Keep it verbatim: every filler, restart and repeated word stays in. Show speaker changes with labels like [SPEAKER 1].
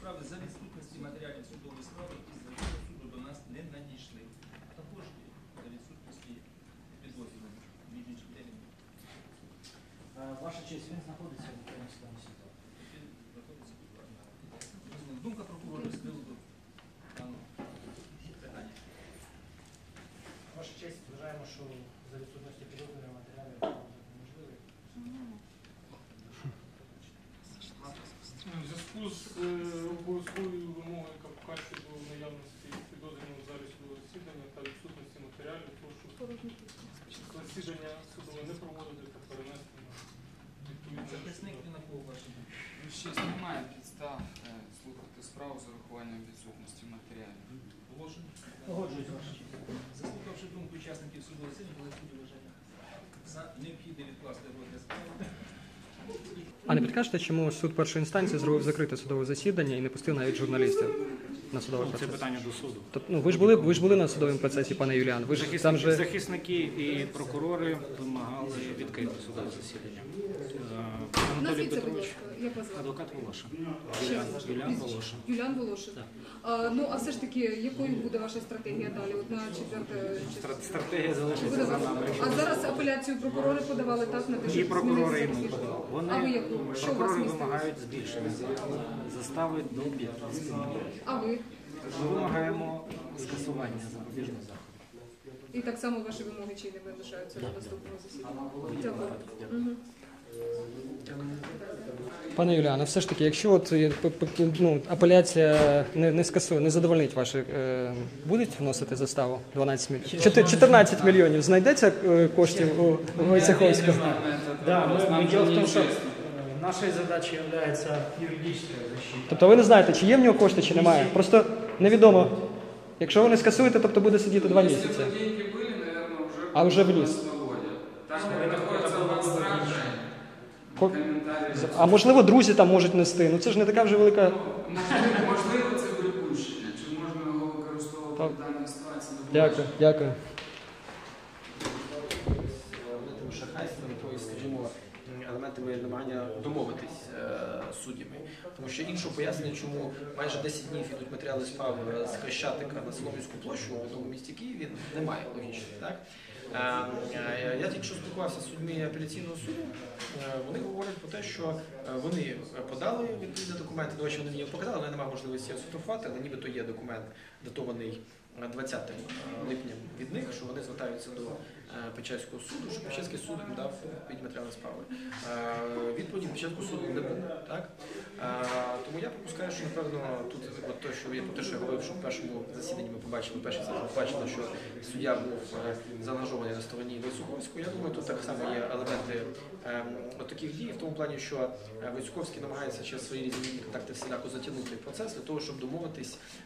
[SPEAKER 1] справи за відсутності матеріалів судової справи, які з районного суду до нас не надійшли. А також за відсутності підозрюваних між іншим терміном.
[SPEAKER 2] Ваша честь, він знаходиться в Українському суді.
[SPEAKER 1] Думка прокурора з приводу даного питання.
[SPEAKER 2] Ваша честь, вважаємо, що за відсутності підозрюваних матеріалів неможливий.
[SPEAKER 3] У зв'язку з е, обов'язковою вимогою КПК щодо наявності підозрюваного в залі судового засідання та відсутності матеріалів, прошу засідання судове не проводити та перенести на відповідне.
[SPEAKER 1] Захисник він на кого ваші?
[SPEAKER 4] Ще немає підстав е, слухати справу з урахуванням відсутності матеріалів.
[SPEAKER 1] Положення.
[SPEAKER 2] Погоджуюсь, ваша честь.
[SPEAKER 1] Заслухавши думку учасників судового засідання, коли суді вважає за необхідне відкласти розгляд справи.
[SPEAKER 5] А не підкажете, чому суд першої інстанції зробив закрите судове засідання і не пустив навіть журналістів на судовий
[SPEAKER 6] Це
[SPEAKER 5] процес?
[SPEAKER 6] питання до суду.
[SPEAKER 5] Тобто, ну, ви ж були, ви ж були на судовому процесі, пане Юліан. Ви ж там
[SPEAKER 6] Захисники,
[SPEAKER 5] же...
[SPEAKER 6] захисники і прокурори вимагали відкрити судове засідання. Е, Анатолій
[SPEAKER 7] Назвіться, будь
[SPEAKER 6] Петрович,
[SPEAKER 7] ласка, як вас звати?
[SPEAKER 6] адвокат Волошин. Юліан, Юліан Волошин.
[SPEAKER 7] Юліан Волошин.
[SPEAKER 6] Так.
[SPEAKER 7] А, ну, а все ж таки, якою буде ваша стратегія далі? От на четверте число?
[SPEAKER 6] Стра- Стратегія залишиться
[SPEAKER 7] Буде
[SPEAKER 6] за
[SPEAKER 7] ваша.
[SPEAKER 6] нами.
[SPEAKER 7] А зараз апеляцію прокурори подавали так на те,
[SPEAKER 6] І
[SPEAKER 7] щоб
[SPEAKER 6] прокурори, і
[SPEAKER 7] змінити
[SPEAKER 6] ми
[SPEAKER 7] захист?
[SPEAKER 6] подали.
[SPEAKER 7] А ви
[SPEAKER 6] Вони,
[SPEAKER 7] яку? Що у вас
[SPEAKER 6] прокурори
[SPEAKER 7] містилось?
[SPEAKER 6] вимагають збільшення застави до п'ятнадцяти мільйонів.
[SPEAKER 7] А ви?
[SPEAKER 6] Ми вимагаємо скасування запобіжного заходу.
[SPEAKER 7] І так само ваші вимоги чи не лишаються до наступного засідання? Дякую. Мгм.
[SPEAKER 5] Пане Юліане, все ж таки, якщо от, е, п- п- ну, апеляція не, не скасує, не задовольнить ваші, е, будуть вносити заставу дванадцять мільйонів? чотирнадцять мільйонів знайдеться е, коштів у, у Войцеховського?
[SPEAKER 2] Да, мы, мы дело в том, что э, нашей задачей является юридическая защита.
[SPEAKER 5] Тобто ви не знаєте, чи є в нього кошти, чи немає. Просто невідомо. Якщо ви не скасуєте, тобто буде сидіти два місяці.
[SPEAKER 4] Если бы деньги были, наверное, уже
[SPEAKER 5] А уже внес.
[SPEAKER 4] свободе. Там находится абстракция,
[SPEAKER 5] Ко-
[SPEAKER 4] комментарии.
[SPEAKER 5] А можливо, друзі там можуть нести. Ну це ж не така вже велика.
[SPEAKER 4] Можливо, можливо, це припущення. Чи можна його використовувати
[SPEAKER 5] Так.
[SPEAKER 4] в даній ситуації?
[SPEAKER 5] Дякую, дякую.
[SPEAKER 8] елементами шахрайства, якоюсь, скажімо, елементами намагання домовитись е, з суддями. Тому що іншого пояснення, чому майже десять днів йдуть матеріали справ з Хрещатика на Солом'янську площу в одному місті Києві, немає логічно. Так? Е, е, я тільки що спілкувався з судьми апеляційного суду, е, вони говорять про те, що е, вони подали відповідні документи, до речі, вони мені його показали, але немає можливості його сфотографувати, але нібито є документ, датований двадцятим липня від них, що вони звертаються до Печерського суду, що Печерський суд їм дав відповідні матеріали справи. Відповіді Печерського суду не було. Так? Тому я припускаю, що, напевно, тут от те, що я про те, що я говорив, що в першому засіданні ми побачили, перший засіданні побачили, що суддя був заангажований на стороні Войцеховського. Я думаю, тут так само є елементи от таких дій, в тому плані, що Войцеховський намагається через свої різні контакти всіляко затягнути процес для того, щоб домовитись